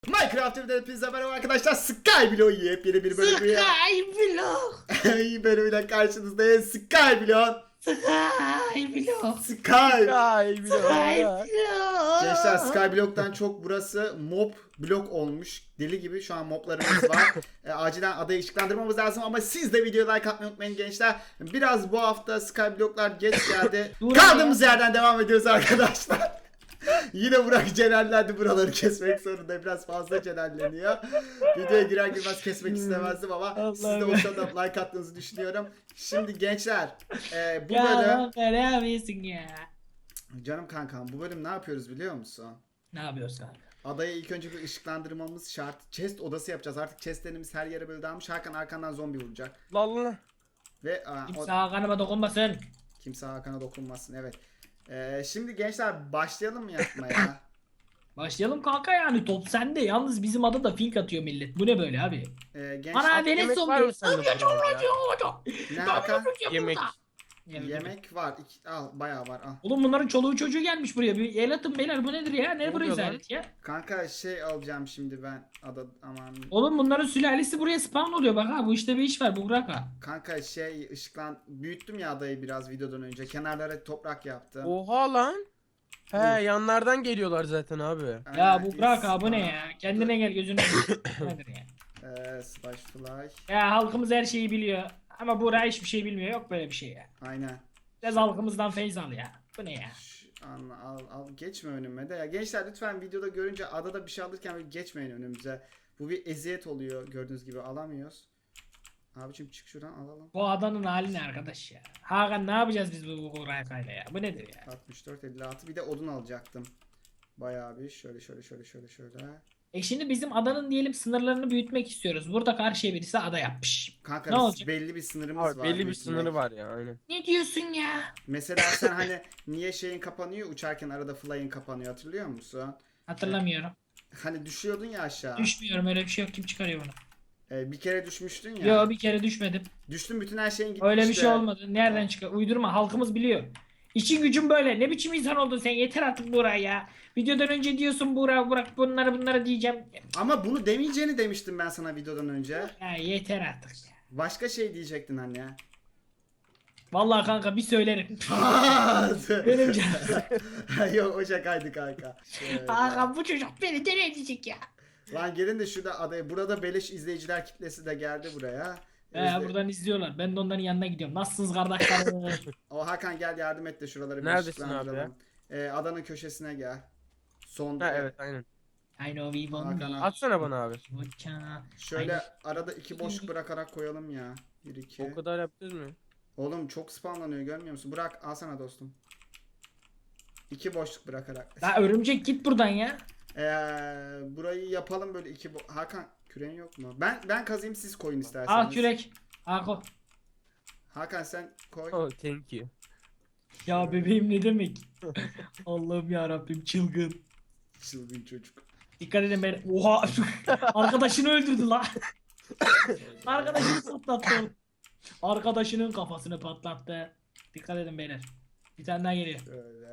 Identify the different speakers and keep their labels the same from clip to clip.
Speaker 1: Minecraft TV'de hepinize merhaba arkadaşlar. Skyblock yepyeni bir bölümü
Speaker 2: Skyblock.
Speaker 1: iyi bölümüyle karşınızdayız. Skyblock.
Speaker 2: Skyblock.
Speaker 1: Skyblock. Gençler Skyblock'tan çok burası mob blok olmuş. Deli gibi şu an moblarımız var. Acilen adayı ışıklandırmamız lazım ama siz de videoya like atmayı unutmayın gençler. Biraz bu hafta Skyblock'lar geç geldi. Kaldığımız yerden devam ediyoruz arkadaşlar. Yine Burak celallendi, buraları kesmek zorunda, biraz fazla celalleniyor. Videoya girer girmez kesmek istemezdim ama siz de o sırada like attığınızı düşünüyorum. Şimdi gençler bu bölüm...
Speaker 2: Ya ne yapıyorsun ya?
Speaker 1: Canım kankam, bu bölüm ne yapıyoruz biliyor musun?
Speaker 2: Ne yapıyorsun kanka?
Speaker 1: Adayı ilk önce bir ışıklandırmamız şart. Chest odası yapacağız. Artık chestlerimiz her yere böyle dağılmış. Hakan arkandan zombi vuracak.
Speaker 3: Lalla.
Speaker 1: Ve
Speaker 2: Kimse Hakan'ıma dokunmasın.
Speaker 1: kimse Hakan'a dokunmasın, evet. Şimdi gençler başlayalım mı yapmaya?
Speaker 2: Başlayalım kanka yani top sende. Yalnız bizim adada fink atıyor millet. Bu ne böyle abi?
Speaker 1: Gençler
Speaker 2: Ana deniz
Speaker 3: yemek
Speaker 2: zombi.
Speaker 3: var mı sende burada
Speaker 1: ne Hakan?
Speaker 3: Yemek.
Speaker 1: Yemek var. Al, bayağı var. Al.
Speaker 2: Oğlum bunların çoluğu çocuğu gelmiş buraya. Bir el atın beyler, bu nedir ya? Ne
Speaker 3: Ne
Speaker 2: bu
Speaker 3: oluyor lan?
Speaker 2: rezalet ya?
Speaker 1: Kanka şey alacağım şimdi ben. Aman.
Speaker 2: Oğlum bunların sülalesi buraya spawn oluyor bak ha. Bu işte bir iş var, bu bırak ha.
Speaker 1: Kanka şey büyüttüm ya adayı biraz videodan önce. Kenarlara toprak yaptım.
Speaker 3: Oha lan. He yanlardan geliyorlar zaten abi.
Speaker 2: Ya bu bırak ha, bu ne ya? Kendine gel, gözünü. Nedir ya?
Speaker 1: Slash fly.
Speaker 2: Ya halkımız her şeyi biliyor. Ama Buğra hiçbir şey bilmiyor. Yok böyle bir şey ya.
Speaker 1: Aynen.
Speaker 2: Biraz halkımızdan feyz al ya. Bu ne ya?
Speaker 1: Al geçme önüme de ya. Gençler lütfen videoda görünce adada bir şey alırken böyle geçmeyin önümüze. Bu bir eziyet oluyor, gördüğünüz gibi alamıyoruz. Abicim çık şuradan alalım.
Speaker 2: Bu adanın hali ne arkadaş ya? Hakan ne yapacağız biz bu Buğra'yla ya? Bu nedir ya?
Speaker 1: 64 56 bir de odun alacaktım. Bayağı bir şöyle.
Speaker 2: Şimdi bizim adanın diyelim sınırlarını büyütmek istiyoruz. Burada karşıya birisi ada yapmış.
Speaker 1: Kanka
Speaker 2: Ne olacak?
Speaker 1: belli bir sınırımız
Speaker 3: Abi
Speaker 1: var.
Speaker 3: belli bir
Speaker 1: büyütmek.
Speaker 3: sınırı var ya aynen.
Speaker 2: Ne diyorsun ya?
Speaker 1: Mesela sen hani niye şeyin kapanıyor, uçarken arada fly'in kapanıyor, hatırlıyor musun?
Speaker 2: Hatırlamıyorum.
Speaker 1: Hani düşüyordun ya aşağı.
Speaker 2: Düşmüyorum, öyle bir şey yok. Kim çıkarıyor bunu?
Speaker 1: Bir kere düşmüştün ya.
Speaker 2: Yo, bir kere düşmedim.
Speaker 1: Düştün, bütün her şeyin gitmişti.
Speaker 2: Öyle bir şey olmadı. Nereden çıkar? Uydurma, halkımız biliyor. İşin gücün böyle. Ne biçim insan oldun sen? Yeter artık Buğra ya. Videodan önce diyorsun Buğra bırak bunları diyeceğim.
Speaker 1: Ama bunu demeyeceğini demiştim ben sana videodan önce.
Speaker 2: Ya yeter artık ya.
Speaker 1: Başka şey diyecektin hani ya.
Speaker 2: Vallahi kanka bir söylerim. Benim canım.
Speaker 1: Yok, o şakaydı kanka. Şöyle.
Speaker 2: Hakan bu çocuk beni deli edecek ya.
Speaker 1: Lan gelin de şurada adaya. Burada beleş izleyiciler kitlesi de geldi buraya.
Speaker 2: Buradan izliyorlar. Ben de onların yanına gidiyorum. Nasılsınız kardeşlerim?
Speaker 1: O Hakan gel yardım et de şuraları bir
Speaker 3: Neredesin abi
Speaker 1: ışıklandıralım. Adanın köşesine gel. Son.
Speaker 3: Ha evet aynen.
Speaker 2: I know we won
Speaker 1: Hakan
Speaker 2: me.
Speaker 1: al.
Speaker 3: Atsana bana abi.
Speaker 1: Şöyle arada iki boşluk bırakarak koyalım ya. 1 2.
Speaker 3: O kadar yaptınız mı?
Speaker 1: Oğlum çok spamlanıyor, görmüyor musun? Bırak, alsana dostum. 2 boşluk bırakarak.
Speaker 2: La örümcek git buradan ya.
Speaker 1: Burayı yapalım böyle Hakan küreğin yok mu? Ben kazayım, siz koyun isterseniz.
Speaker 2: Al kürek. Hako.
Speaker 1: Hakan sen koy.
Speaker 3: Oh thank you.
Speaker 2: Ya bebeğim ne demek? Allah'ım ya Rabbim, çılgın.
Speaker 1: Çılgın çocuk.
Speaker 2: Dikkat edin ben. Oha. Arkadaşını öldürdü la. Arkadaşını patlattı. Arkadaşının kafasını patlattı. Dikkat edin beyler. Bir tane daha geliyor.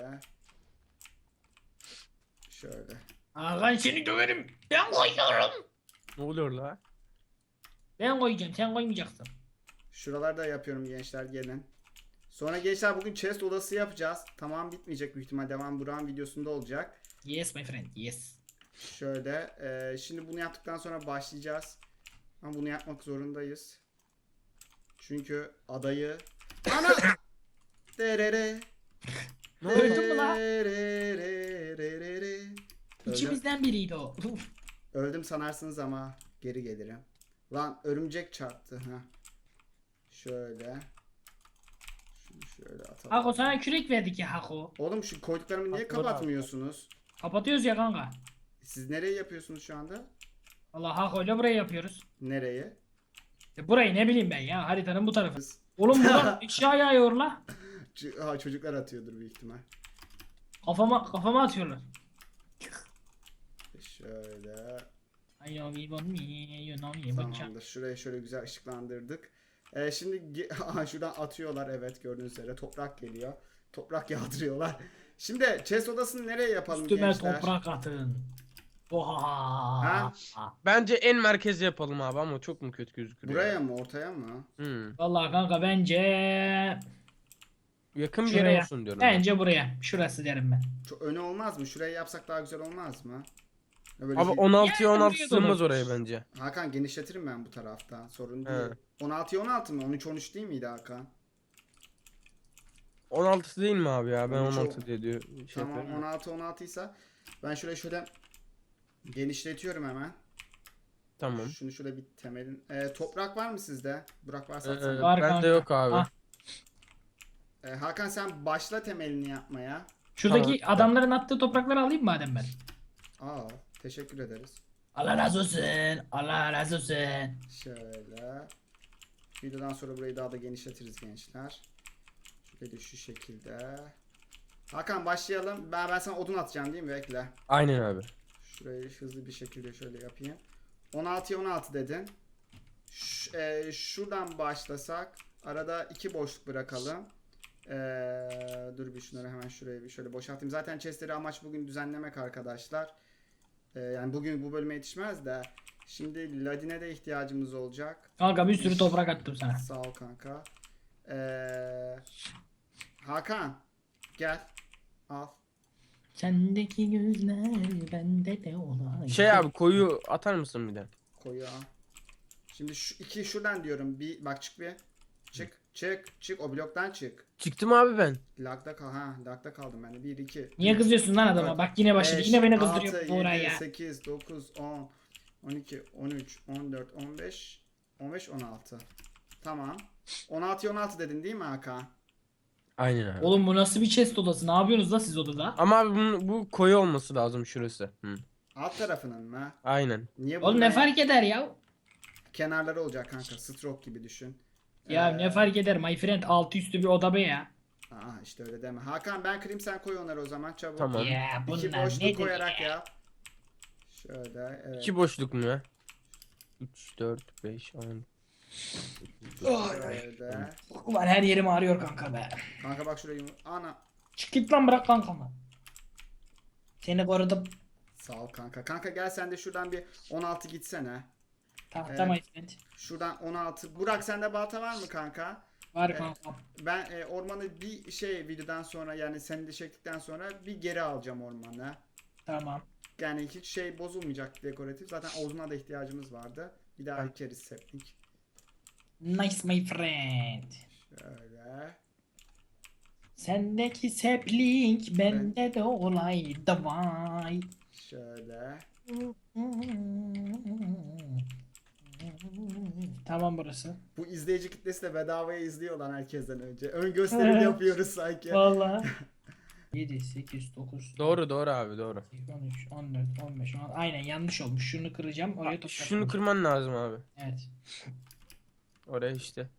Speaker 1: Şöyle.
Speaker 2: Hakan seni döverim. Ben koyuyorum.
Speaker 3: Ne oluyor la?
Speaker 2: Ben koyacağım, sen koymayacaksın.
Speaker 1: Şuralarda yapıyorum gençler, gelin. Sonra gençler bugün chest odası yapacağız. Tamam, bitmeyecek büyük ihtimal. Devam Burak'ın videosunda olacak.
Speaker 2: Yes my friend, yes.
Speaker 1: Şöyle. Şimdi bunu yaptıktan sonra başlayacağız. Ama bunu yapmak zorundayız. Çünkü adayı... Ana! Derere.
Speaker 2: Ne oldu mu la?
Speaker 1: Derere.
Speaker 2: İçimizden biriydi o.
Speaker 1: Öldüm sanarsınız ama geri gelirim. Lan örümcek çarptı. Ha. Şöyle. Şunu şöyle atalım.
Speaker 2: Hako sana kürek verdik ya Hako.
Speaker 1: Oğlum şu koyduklarımı niye
Speaker 3: Atları
Speaker 1: kapatmıyorsunuz?
Speaker 2: Kapatıyoruz ya kanka.
Speaker 1: Siz nereye yapıyorsunuz şu anda?
Speaker 2: Allah Hako ile burayı yapıyoruz.
Speaker 1: Nereye?
Speaker 2: Burayı ne bileyim ben ya, haritanın bu tarafı. Oğlum buradan eşya yağıyor la.
Speaker 1: Çocuklar atıyordur büyük ihtimal.
Speaker 2: Kafama atıyorlar.
Speaker 1: Şöyle.
Speaker 2: I know we want me, you know me, bak.
Speaker 1: Tamamdır. Şurayı şöyle güzel ışıklandırdık. Şimdi şuradan atıyorlar, evet, gördüğünüz üzere toprak geliyor. Toprak yağdırıyorlar. Şimdi chest odasını nereye yapalım
Speaker 2: Üstüme
Speaker 1: gençler?
Speaker 2: toprak atın. Oha.
Speaker 3: Bence en merkeze yapalım abi ama çok mu kötü gözüküyor?
Speaker 1: Buraya mı ortaya mı?
Speaker 2: Vallahi kanka bence
Speaker 3: Yakın bir yere
Speaker 2: şuraya.
Speaker 3: olsun diyorum. ben.
Speaker 2: Bence buraya. Şurası derim ben.
Speaker 1: Çok öne olmaz mı? Şuraya yapsak daha güzel olmaz mı? Ya böyle
Speaker 3: Abi
Speaker 1: şey-
Speaker 3: 16'ya
Speaker 2: Yani
Speaker 3: 16
Speaker 2: buraya da
Speaker 3: sığmaz
Speaker 2: olur.
Speaker 3: oraya bence.
Speaker 1: Hakan genişletirim ben bu tarafta. Sorun
Speaker 3: He.
Speaker 1: değil. 16'ya 16 mı? 13-13 değil miydi Hakan?
Speaker 3: 16 değil mi abi ya? Ben
Speaker 1: 13
Speaker 3: 16 diye diyor. Şey
Speaker 1: Tamam
Speaker 3: yapıyorum.
Speaker 1: 16 ise ben şurayı şöyle genişletiyorum hemen.
Speaker 3: Tamam.
Speaker 1: Şunu şöyle bir temelin. Toprak var mı sizde? Burak varsa atsana.
Speaker 2: Var
Speaker 3: Bende
Speaker 2: kanka.
Speaker 3: yok abi.
Speaker 2: Ah.
Speaker 1: Hakan sen başla temelini yapmaya.
Speaker 2: Şuradaki
Speaker 3: Tamam.
Speaker 2: adamların attığı toprakları alayım madem ben.
Speaker 1: Aa, teşekkür ederiz.
Speaker 2: Allah razı olsun. Allah razı olsun.
Speaker 1: Şöyle. Videodan sonra burayı daha da genişletiriz gençler. Şöyle şu şekilde. Hakan başlayalım. Ben sana odun atacağım değil mi? Bekle.
Speaker 3: Aynen abi.
Speaker 1: Şurayı hızlı bir şekilde şöyle yapayım. 16'ya 16 dedin. Şuradan başlasak. Arada 2 boşluk bırakalım. Dur bir şunları hemen şuraya bir şöyle boşaltayım. Zaten chestleri amaç bugün düzenlemek arkadaşlar. Yani bugün bu bölüme yetişmez de. Şimdi ladine de ihtiyacımız olacak.
Speaker 2: Kanka bir sürü toprak attım sana.
Speaker 1: Sağ ol kanka. Hakan gel. Al.
Speaker 2: Sendeki gözler bende de olay.
Speaker 3: Şey abi koyu atar mısın bir de?
Speaker 1: Koyu al. Şimdi şu iki şuradan diyorum. Bir bak çık bir. Çık. O bloktan çık.
Speaker 3: Çıktım abi ben.
Speaker 1: Lagda kal. Lagda kaldım ben de. 1 2.
Speaker 2: Niye kızıyorsun lan adama? Bak yine başladı. Yine beni kızdırıyor bu oraya ya.
Speaker 1: 8 9 10 12 13 14 15 15 16. Tamam. 16'ya 16 dedin değil mi Hakan?
Speaker 3: Aynen abi.
Speaker 2: Oğlum bu nasıl bir chest odası? Ne yapıyorsunuz la siz odada?
Speaker 3: Ama abi bu koyu olması lazım şurası. Hı.
Speaker 1: Alt tarafının mı?
Speaker 3: Aynen.
Speaker 1: Niye
Speaker 2: Oğlum ne fark eder ya?
Speaker 1: Kenarları olacak kanka. Stroke gibi düşün.
Speaker 2: Ya ne fark eder my friend, altı üstü bir oda be ya.
Speaker 1: Aa işte öyle deme. Hakan ben kırayım sen koy onları o zaman çabuk.
Speaker 3: Tamam.
Speaker 2: Ya
Speaker 1: İki
Speaker 2: bunlar
Speaker 1: boşluk
Speaker 2: nedir
Speaker 1: koyarak
Speaker 2: ya?
Speaker 1: yap. Şöyle evet.
Speaker 3: 2 boşluk mu ya? 3, 4, 5, 10.
Speaker 1: Şöyle.
Speaker 2: Ulan her yerim ağrıyor kanka be.
Speaker 1: Kanka bak şurayı. Ana.
Speaker 2: Çık git lan, bırak kankamı. Seni korudum.
Speaker 1: Sağ ol kanka. Kanka gel sen de şuradan bir 16 gitsene.
Speaker 2: Tahta my friend.
Speaker 1: Şuradan 16. Burak sende balta var mı kanka?
Speaker 2: Var kankam.
Speaker 1: Ben ormanı bir şey videodan sonra yani seni de çektikten sonra bir geri alacağım ormanı.
Speaker 2: Tamam.
Speaker 1: Yani hiç şey bozulmayacak dekoratif. Zaten oduna da ihtiyacımız vardı. Bir daha ekeriz septik.
Speaker 2: Nice my friend.
Speaker 1: Şöyle.
Speaker 2: Sendeki sapling bende de olay davay.
Speaker 1: Şöyle.
Speaker 2: Tamam burası.
Speaker 1: Bu izleyici kitlesi de bedavaya izliyor lan herkesten önce. Ön gösterim yapıyoruz sanki.
Speaker 2: Valla. 7, 8, 9,
Speaker 3: Doğru abi doğru.
Speaker 2: 13, 14, 15, 16. Aynen yanlış olmuş. Şunu kıracağım. Oraya toprak
Speaker 3: Şunu
Speaker 2: koyacağım.
Speaker 3: kırman lazım abi.
Speaker 2: Evet.
Speaker 3: Oraya işte.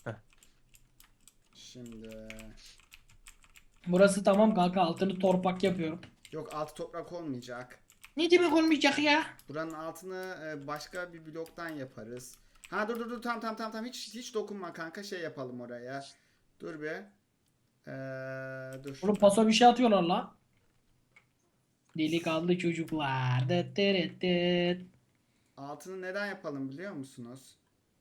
Speaker 1: Şimdi.
Speaker 2: Burası tamam kanka. Altını torpak yapıyorum.
Speaker 1: Yok altı toprak olmayacak.
Speaker 2: Ne demek olmayacak ya?
Speaker 1: Buranın altını başka bir bloktan yaparız. Ha dur tamam hiç dokunma kanka şey yapalım oraya. Dur bir. Dur.
Speaker 2: Oğlum paso bir şey atıyorlar la. Delikanlı çocuklar. Dıt dırıt dıt.
Speaker 1: Altını neden yapalım biliyor musunuz?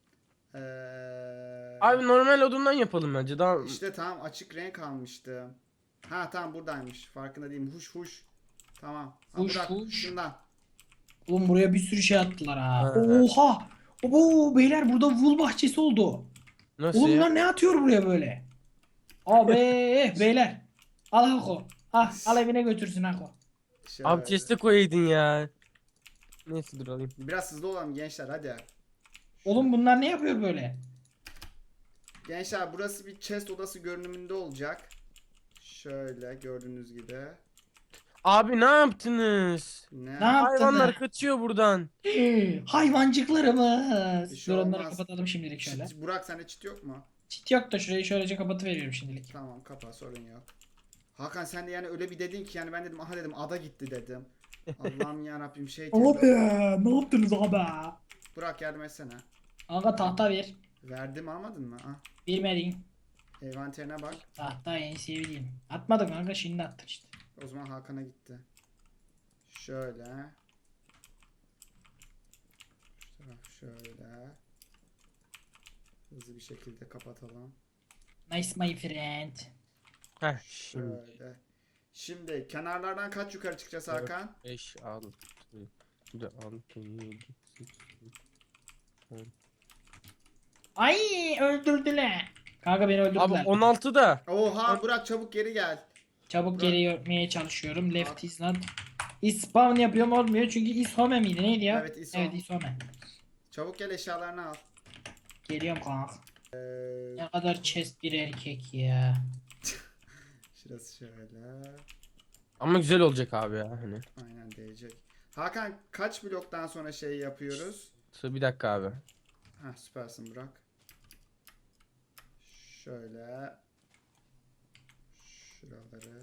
Speaker 3: Abi normal odundan yapalım bence. Daha
Speaker 1: İşte tamam açık renk almıştım. Ha tamam buradaymış. Farkında değilim. Huş. Tamam. Ha,
Speaker 2: Huş,
Speaker 1: bırak
Speaker 2: huş.
Speaker 1: şundan.
Speaker 2: Oğlum buraya bir sürü şey attılar ha.
Speaker 3: Ha.
Speaker 2: Oha. Oo beyler burada wool bahçesi oldu.
Speaker 3: nasıl
Speaker 2: Oğlum
Speaker 3: ya?
Speaker 2: lan ne atıyor buraya böyle? Abi beyler. Al Hako. Al evine götürsün Hako.
Speaker 1: Şöyle.
Speaker 3: Abi chest'e koyaydın ya. Neyse dur alayım.
Speaker 1: Biraz hızlı olalım gençler hadi.
Speaker 2: Oğlum bunlar ne yapıyor böyle?
Speaker 1: Gençler burası bir chest odası görünümünde olacak. Şöyle gördüğünüz gibi.
Speaker 3: Abi ne yaptınız?
Speaker 1: Ne?
Speaker 2: Ne yaptın?
Speaker 3: Hayvanlar kaçıyor buradan.
Speaker 2: Hayvancıklarımız.
Speaker 1: Bir şey
Speaker 2: Dur onları
Speaker 1: olmaz.
Speaker 2: kapatalım şimdilik şöyle.
Speaker 1: Burak sende çit yok mu?
Speaker 2: Çit yok da şurayı şöylece kapatıveriyorum şimdilik.
Speaker 1: Tamam kapa sorun yok. Hakan sen de yani öyle bir dedin ki yani ben dedim aha dedim ada gitti dedim. Allah'ım ya Rabbim şey
Speaker 2: Abi ne yaptınız abi?
Speaker 1: Burak yardım etsene.
Speaker 2: Kanka tahta ver.
Speaker 1: Verdim almadın mı? Ah.
Speaker 2: Vermedin.
Speaker 1: Envanterine bak.
Speaker 2: Tahta en sevdiğim. Atmadım kanka, şimdi attın işte.
Speaker 1: O zaman Hakan'a gitti. Şöyle. Şöyle. Hızlı bir şekilde kapatalım.
Speaker 2: Nice my friend.
Speaker 3: Heh şimdi.
Speaker 1: Şöyle. Şimdi kenarlardan kaç yukarı çıkacağız Hakan?
Speaker 3: 5, 6, 6, 7, 8, 10.
Speaker 2: Ay öldürdüler. Kanka beni
Speaker 3: Abi
Speaker 2: öldürdüler.
Speaker 3: 16 da.
Speaker 1: Oha Burak çabuk geri gel.
Speaker 2: Çabuk geri yürümeye çalışıyorum. Left is not. Is spawn yapıyorum olmuyor çünkü is home miydi neydi ya?
Speaker 1: Evet, is home.
Speaker 2: Evet is home.
Speaker 1: Çabuk gel eşyalarını al.
Speaker 2: Geliyorum kanka.
Speaker 1: Ee,
Speaker 2: Ne kadar chest bir erkek ya.
Speaker 1: şurası şöyle.
Speaker 3: Ama güzel olacak abi ya hani.
Speaker 1: Aynen değecek. Hakan kaç bloktan sonra şey yapıyoruz?
Speaker 3: Bir dakika abi.
Speaker 1: Heh, süpersin Burak. Şöyle. Şuraları.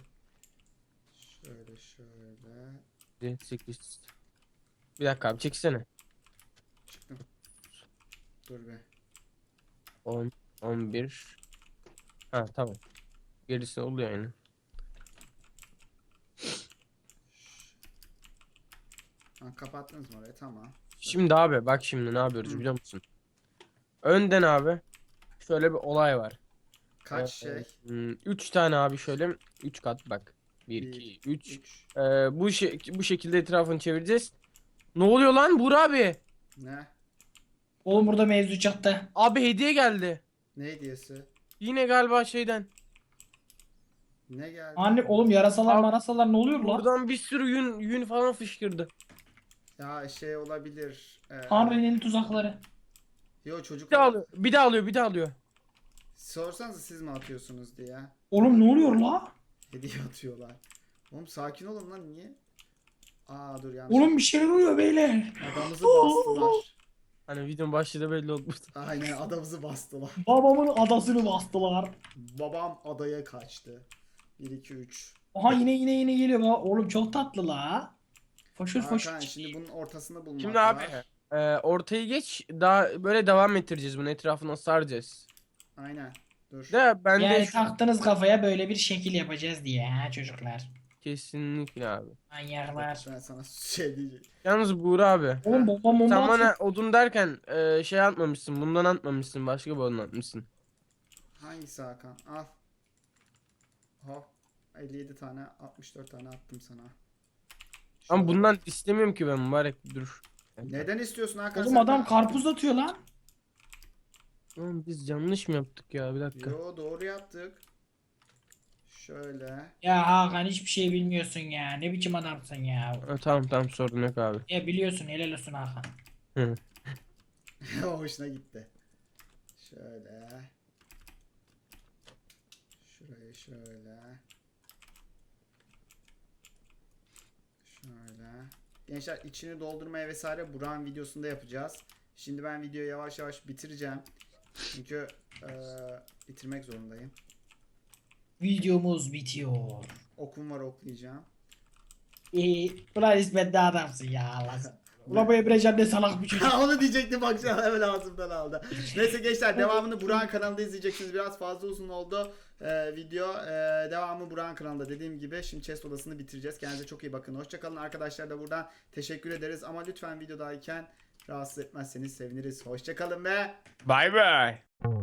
Speaker 1: Şöyle.
Speaker 3: 7, 8. Bir dakika abi çeksene.
Speaker 1: Çıktım. Dur be.
Speaker 3: 10, 11. Ha tamam. Gerisi oluyor yani.
Speaker 1: Ha, kapattınız mı orayı? Tamam.
Speaker 3: Şimdi abi bak şimdi ne yapıyoruz
Speaker 1: Hı.
Speaker 3: biliyor musun? Önden abi şöyle bir olay var.
Speaker 1: Kaç şey?
Speaker 3: 3 tane abi şöyle 3 kat bak. 1
Speaker 1: Bir,
Speaker 3: 2 3.
Speaker 1: 3.
Speaker 3: Bu şekilde etrafını çevireceğiz. Ne oluyor lan Buğra abi?
Speaker 1: Ne?
Speaker 2: Oğlum burada mevzu çattı.
Speaker 3: Abi hediye geldi.
Speaker 1: Ne hediyesi?
Speaker 3: Yine galiba şeyden.
Speaker 1: Ne geldi?
Speaker 2: Anne oğlum yarasalar
Speaker 3: Abi,
Speaker 2: marasalar ne oluyor lan?
Speaker 3: Buradan bir sürü yün falan fışkırdı.
Speaker 1: Ya şey olabilir.
Speaker 2: Tanrı'nın tuzakları.
Speaker 1: Yo
Speaker 3: Bir daha
Speaker 1: çocuklar.
Speaker 3: alıyor. Bir daha alıyor. Bir daha alıyor.
Speaker 1: Sorsanız siz mi atıyorsunuz diye.
Speaker 2: Oğlum ne oluyor la?
Speaker 1: Hediye atıyorlar. Oğlum sakin olun lan niye? Aa dur yanlış.
Speaker 2: Oğlum bir şeyler oluyor beyler.
Speaker 1: Adamımızı bastılar.
Speaker 3: Hani videonun başlığı belli oldu.
Speaker 1: Aynen adamımızı bastılar.
Speaker 2: Babamın adasını bastılar.
Speaker 1: Babam adaya kaçtı. 1 2 3.
Speaker 2: Aha yine geliyor baba. Oğlum çok tatlı la. Foşur
Speaker 1: Hakan
Speaker 2: foşur.
Speaker 1: şimdi bunun ortasını bulmak
Speaker 3: Şimdi abi
Speaker 1: var.
Speaker 3: ortayı geç. Daha böyle devam ettireceğiz bunu. Etrafına saracağız.
Speaker 1: Aynen. Dur.
Speaker 3: De ben de
Speaker 2: Yani
Speaker 3: şu...
Speaker 2: taktınız kafaya böyle bir şekil yapacağız diye ha çocuklar.
Speaker 3: Kesinlikle abi.
Speaker 2: Manyaklar.
Speaker 1: Ben sana şey diyeceğim.
Speaker 3: Yalnız Buğra abi.
Speaker 2: Oğlum bomba
Speaker 3: Sen
Speaker 2: atıyor.
Speaker 3: bana odun derken şey atmamışsın. Bundan atmamışsın. Başka bir odun atmışsın.
Speaker 1: Hangisi Hakan? Al. Hop. 57 tane 64 tane attım sana.
Speaker 3: Ama
Speaker 1: Şöyle.
Speaker 3: bundan istemiyorum ki ben mübarek dur.
Speaker 1: Neden istiyorsun Hakan?
Speaker 2: Oğlum
Speaker 1: sen
Speaker 2: adam
Speaker 1: de?
Speaker 2: karpuz atıyor lan.
Speaker 3: Oğlum biz yanlış mı yaptık ya bir dakika.
Speaker 1: Yo doğru yaptık. Şöyle.
Speaker 2: Ya Hakan hiçbir şey bilmiyorsun ya. Ne biçim adamsın ya.
Speaker 3: Tamam sorun yok abi.
Speaker 2: Ya biliyorsun helal olsun Hakan.
Speaker 3: Hı.
Speaker 1: Hoşuna gitti. Şöyle. Şurayı şöyle. Şöyle. Gençler içini doldurmaya vesaire Burak'ın videosunda yapacağız. Şimdi ben videoyu yavaş yavaş bitireceğim. Çünkü bitirmek zorundayım.
Speaker 2: Videomuz bitiyor.
Speaker 1: Okum var oklayacağım.
Speaker 2: Ulan İsmet ne adamsın ya Allah. Ulan bu Emrecan ne salak bir çocuk.
Speaker 1: Onu diyecektim bak şu an hemen ağzımdan aldı. Neyse gençler devamını Burak'ın kanalında izleyeceksiniz. Biraz fazla uzun oldu video. Devamı Burak'ın kanalında dediğim gibi. Şimdi chest odasını bitireceğiz. Kendinize çok iyi bakın. Hoşçakalın arkadaşlar da buradan teşekkür ederiz. Ama lütfen videodayken rahatsız etmezseniz seviniriz. Hoşçakalın ve
Speaker 3: Bye bye.